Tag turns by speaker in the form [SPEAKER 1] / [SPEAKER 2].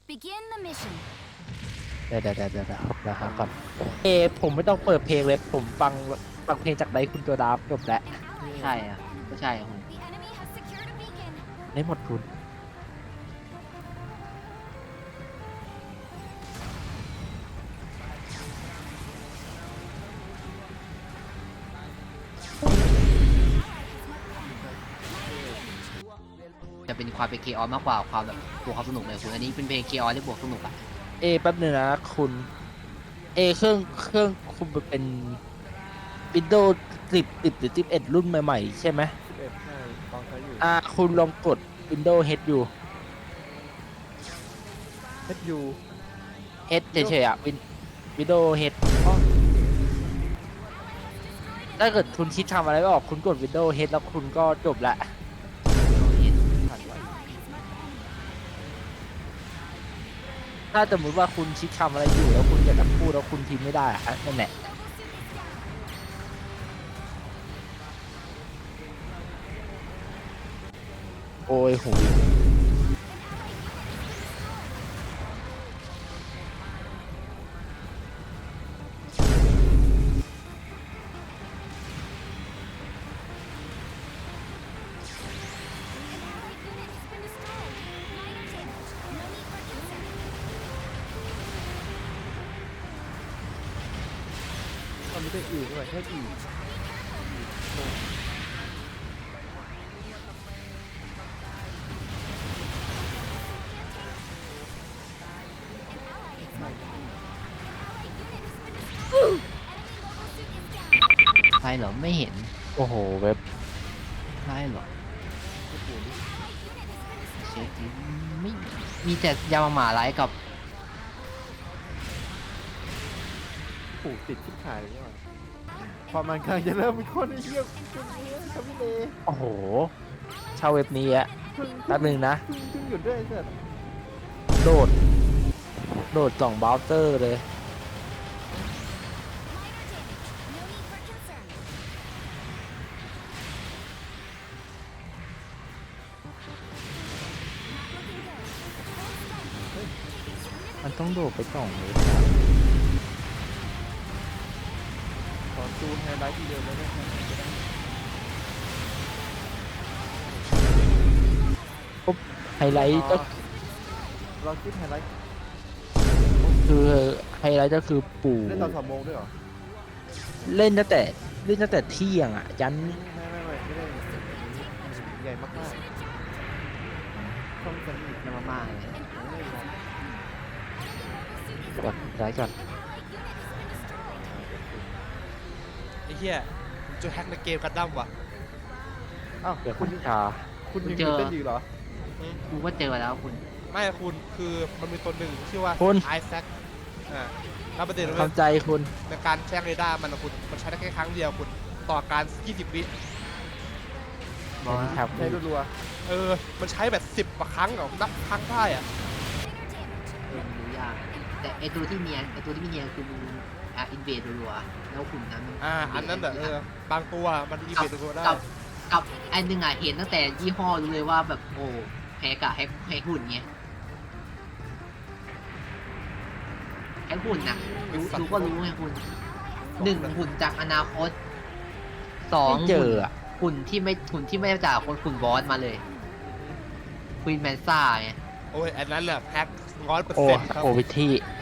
[SPEAKER 1] Begin the mission.
[SPEAKER 2] เดี๋ยวหาก่อนผมไม่ต้องเปิดเพลงเลยผมฟังเพลงจากไดคุณตัวดาบจบแล้ว
[SPEAKER 3] ใช่อ่ะก็ใช่คุณ
[SPEAKER 1] The enemy has secured a beacon.
[SPEAKER 2] ได้หมดคุณ
[SPEAKER 3] จะเป็นความเป็นเคออสมากกว่าความแบบบวกความสนุกเลยคุณอันนี้เป็นเพลงเคออสที่บวกสนุกอ่ะ
[SPEAKER 2] แป๊บนึงนะคุณเครื่องคุณเป็น Windows 10หรือ11รุ่นใหม่ๆใช่ไหม
[SPEAKER 4] 11ใช่ตอนใช้อยู่
[SPEAKER 2] คุณลองกด Windows H อยู่
[SPEAKER 4] HU
[SPEAKER 2] H เฉยๆอ่ะ Windows H ถ้าเกิดคุณคิดทำอะไรไม่ออกคุณกด Windows H แล้วคุณก็จบละ
[SPEAKER 4] ผ่านไว้
[SPEAKER 2] ถ้าสมมติว่าคุณคิดทำอะไรอยู่แล้วคุณอยากจะพูดแล้วคุณพิมพ์ไม่ได้อะนั่นแหละโอ้ยโห
[SPEAKER 4] ตอนนี้ก็อีกด้วยHE
[SPEAKER 3] ใช่เหรอไม่เห็น
[SPEAKER 2] โอ้โหเว็บ
[SPEAKER 3] ใช่เหรอเช็คดิไม่มีแต่ยามาหมาไลฟ์กับ
[SPEAKER 4] ผูกติดชิบหายเลยว่ะพอมันกำลังจะเริ่มมีคนไอ้เหี้ยจุ่มเนี้ยครับพี่เล
[SPEAKER 2] โอ้โหเช่าเว็บนี้อะแป๊บนึงนะ
[SPEAKER 4] จุ่มหยุดด้วยไอ้เสร็จ
[SPEAKER 2] โหลด2เบราว์เซอร์เลย มันต้องโดดไป2เลย
[SPEAKER 4] ขอจูนไฮไลท์ทีเดียวเลยได้ไหม
[SPEAKER 2] ไฮไลท์ก็
[SPEAKER 4] เราคิดไฮไลท์
[SPEAKER 2] คือไฮไลท์ก็คือปู่
[SPEAKER 4] เล่นตอน2 โมงด้วยเหรอ
[SPEAKER 2] เล่นตั้งแต่เที่ยงอ่ะยัน
[SPEAKER 4] ไม่ได้ใหญ่มากๆช่องสนิท
[SPEAKER 3] ยามาม่าเลย
[SPEAKER 4] ไม่ได้มอง
[SPEAKER 2] ก่อนย้ายก่อน
[SPEAKER 5] ไอ้เหี้ยจะแฮกในเกมกันดั้มว่ะ
[SPEAKER 4] อ้าว
[SPEAKER 2] เดี๋ยว
[SPEAKER 4] คุ
[SPEAKER 2] คุณ ณชา
[SPEAKER 4] คุณยังอยู่เต้นอยู่เหรอ
[SPEAKER 3] กูก็เจอแล้วคุณ
[SPEAKER 5] ไม่คุณคือมันมีตัวหนึ่งชื่อว่า
[SPEAKER 2] คุณ
[SPEAKER 5] ไอแซคแล้วประเด็นเลย
[SPEAKER 2] ทำใจคุณ
[SPEAKER 5] ในการแจ้งเรดาร์มันนะคุณมันใช้ได้แค่ครั้งเดียวคุณต่อการ 20 วิ
[SPEAKER 3] บอกว่า
[SPEAKER 2] ครับ
[SPEAKER 4] ใช้รัว
[SPEAKER 5] มันใช้แบบ 10 กว่าครั้งเหรอนับครั้งได้อะ
[SPEAKER 3] รู้ยากแต่ไอตัวที่เนียนคือมึงอินเวดรัวๆแล้วคุณนั้น
[SPEAKER 5] อันนั้นแบบบางตัวมันอีเวนต์ตัวได้
[SPEAKER 3] กับไอันหนึ่งเห็นตั้งแต่ยี่ห้อรู้เลยว่าแบบโอ้แฮกอะแฮกหุ่นไงแฮกหุ่นนะรู้ก็รู้ไงคุณ1 หุ่นจากอนาคต2
[SPEAKER 2] ไม่เจออ่ะ
[SPEAKER 3] หุ่นที่ไม่จากคนหุ่นบอสมาเลยควีนแมนซ่าไง
[SPEAKER 5] โอ้ยอันนั้นแหละแฮก100%
[SPEAKER 2] โอ้
[SPEAKER 5] ครับ
[SPEAKER 2] โอ้วิธี